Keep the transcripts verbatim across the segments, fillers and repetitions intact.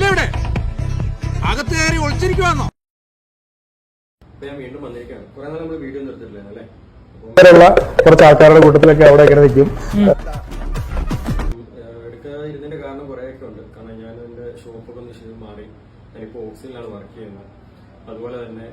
ഇല്ല ഇവിടെ അകത്ത് കയറി ഒളിച്ചിരിക്കുവാന്നോ? ഞാൻ വീണ്ടും വന്നിരിക്കുകയാണ്. കുറെ നാൾ നമ്മൾ വീഡിയോ നിർത്തിയിട്ടില്ല അല്ലേ? കുറച്ച് ആൾക്കാരുടെ കൂട്ടത്തിലൊക്കെ അവിടെ ഇങ്ങനെ നിൽക്കും. എടുക്കാതിരുന്നതിന്റെ കാരണം കുറെയൊക്കെ ഉണ്ട്. കാരണം ഞാൻ എന്റെ ഷോപ്പൊക്കെ ഒന്ന് ശരി മാറി. ഞാനിപ്പോ ഓക്സിജനിലാണ് വർക്ക് ചെയ്യുന്നത്. അതുപോലെ തന്നെ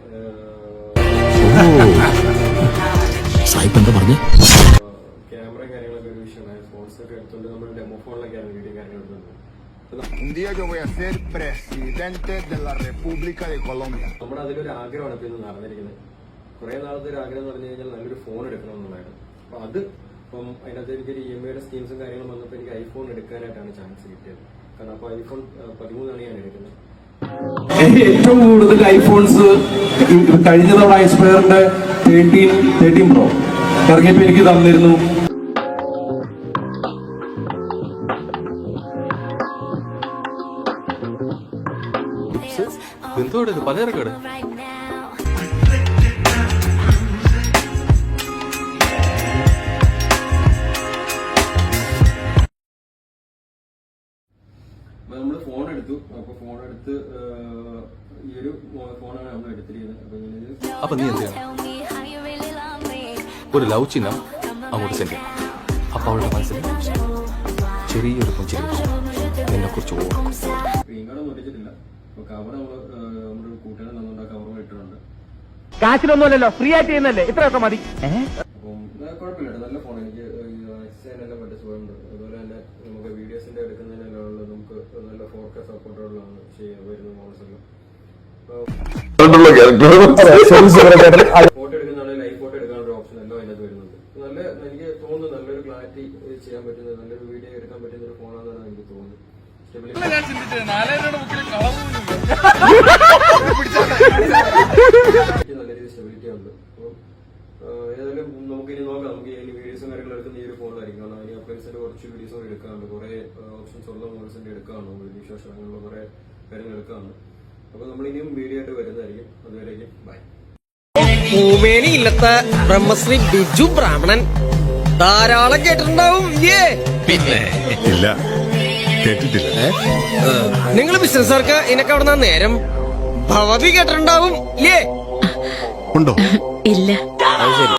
ക്യാമറ കാര്യങ്ങളൊക്കെ ഒരു വിഷയമാണ്. ഫോൺസ് ഒക്കെ എടുത്തുകൊണ്ട് നമ്മൾ ഡെമോ ഫോണിലൊക്കെയാണ് വീഡിയോ കാര്യങ്ങൾ എടുക്കുന്നത്. Un día yo voy a ser presidente de la República de Colombia. നമ്മുടെ അതിലൊരു ആഗ്രഹമാണ് ഇപ്പൊ ഇന്ന് നടന്നിരിക്കുന്നത്. കുറെ നാളത്തെ ഒരു ആഗ്രഹം എന്ന് പറഞ്ഞു കഴിഞ്ഞാൽ നല്ലൊരു ഫോൺ എടുക്കണം എന്നുള്ളതായിരുന്നു. അപ്പൊ അത് ഇപ്പം അതിനകത്ത് എനിക്കൊരു ഇ എം ഐയുടെ സ്കീംസും കാര്യങ്ങളും വന്നപ്പോൾ എനിക്ക് ഐഫോൺ എടുക്കാനായിട്ടാണ് ചാൻസ് കിട്ടിയത്. കാരണം അപ്പൊ ഐഫോൺ പതിമൂന്നാണ് ഞാൻ എടുക്കുന്നത്. ഏറ്റവും കൂടുതൽ ഐഫോൺസ് കഴിഞ്ഞ തവണ ഐസ്പയറിന്റെ തേർട്ടീൻ തേർട്ടീൻ പ്രോ ഇറങ്ങിയപ്പോ എനിക്ക് തന്നിരുന്നു. എന്തോടെ പലചരക്കട നമ്മള് ഫോൺ എടുത്തു. അപ്പൊ ഫോൺ എടുത്ത് ഈ ഒരു ഫോണാണ് നമ്മൾ എടുത്തിരിക്കുന്നത്. അപ്പൊ നീ എന്ത് ചെയ്യണം? ഒരു ലവ് ചിഹ്നം അങ്ങോട്ട് സെൻഡ് ചെയ്യണം. അപ്പൊ അവളുടെ മനസ്സിൽ ചെറിയൊരു പുഞ്ചിരി എന്നെ കുറിച്ച് ഓർക്കും. സ്ക്രീൻ കാർഡ് ഒന്നും ഒട്ടിച്ചിട്ടില്ല. അപ്പൊ കവർ നമ്മള് നമ്മുടെ കൂട്ടുകാരൻ തന്നുകൊണ്ട് ആ കവറും ഇട്ടിട്ടുണ്ട്. കാശിലൊന്നുമല്ലല്ലോ, ഫ്രീ ആയിട്ട് ചെയ്യുന്നല്ലേ, ഇത്രയൊക്കെ മതി. അപ്പം കുഴപ്പമില്ല, നല്ല ഫോൺ. എനിക്ക് എക്സൈനെല്ലാം പറ്റിയ സുഖമുണ്ട്. അതുപോലെ തന്നെ നമുക്ക് വീഡിയോസിന്റെ എടുക്കുന്നതിനെല്ലാം ഉള്ളത് നമുക്ക് നല്ല ഫോർ കെ സപ്പോർട്ടുകളാണ് ചെയ്യാൻ വരുന്ന മോഡൽസ് എല്ലാം. ഫോട്ടോ എടുക്കുന്നതാണ് ലൈവ് ഫോട്ടോ എടുക്കാനുള്ള ഓപ്ഷൻ എല്ലാം അതിനകത്ത് വരുന്നുണ്ട്. നല്ല എനിക്ക് തോന്നുന്നു നല്ലൊരു ക്ലാരിറ്റി ചെയ്യാൻ പറ്റുന്നത്, നല്ലൊരു വീഡിയോ എടുക്കാൻ പറ്റുന്ന ഒരു ഫോണാണെന്നാണ് എനിക്ക് തോന്നുന്നത്. നല്ല രീതിയിൽ സ്റ്റെബിലിറ്റി ഉണ്ട്. അപ്പം ഏതായാലും നമുക്ക് ഇനി നോക്കാം. നമുക്ക് ഇനി വീഡിയോസും കാര്യങ്ങളും എടുക്കുന്ന ഈ ഒരു ഫോണിലായിരിക്കും. കാരണം അതിന് അപ്ലൈൻസിന്റെ കുറച്ച് വീഡിയോസും എടുക്കാറുണ്ട്. കുറെ ഓപ്ഷൻസ് ഉള്ള മോഡൽസിന്റെ എടുക്കാറുണ്ട്. വീഡിയോ ശേഷം അങ്ങനെയുള്ള കുറെ കാര്യങ്ങൾ എടുക്കാറുണ്ട്. അപ്പൊ നമ്മൾ ഇനിയും വീഡിയോ ആയിട്ട് വരുന്നതായിരിക്കും. അതുവരേക്കും ബൈ. ഭൂമേനി ഇല്ലത്തെ ബ്രഹ്മശ്രീ ബിജു ബ്രാഹ്മണൻ ധാരാളം കേട്ടിട്ടുണ്ടാവും. പിന്നെ ഇല്ല, കേട്ടിട്ടില്ല. നിങ്ങൾ ബിസിനസ്സുകാർക്ക് ഇതിനൊക്കെ അവിടെ നേരം ഭവതി കേട്ടിട്ടുണ്ടാവും. ഉണ്ടോ? ഇല്ല.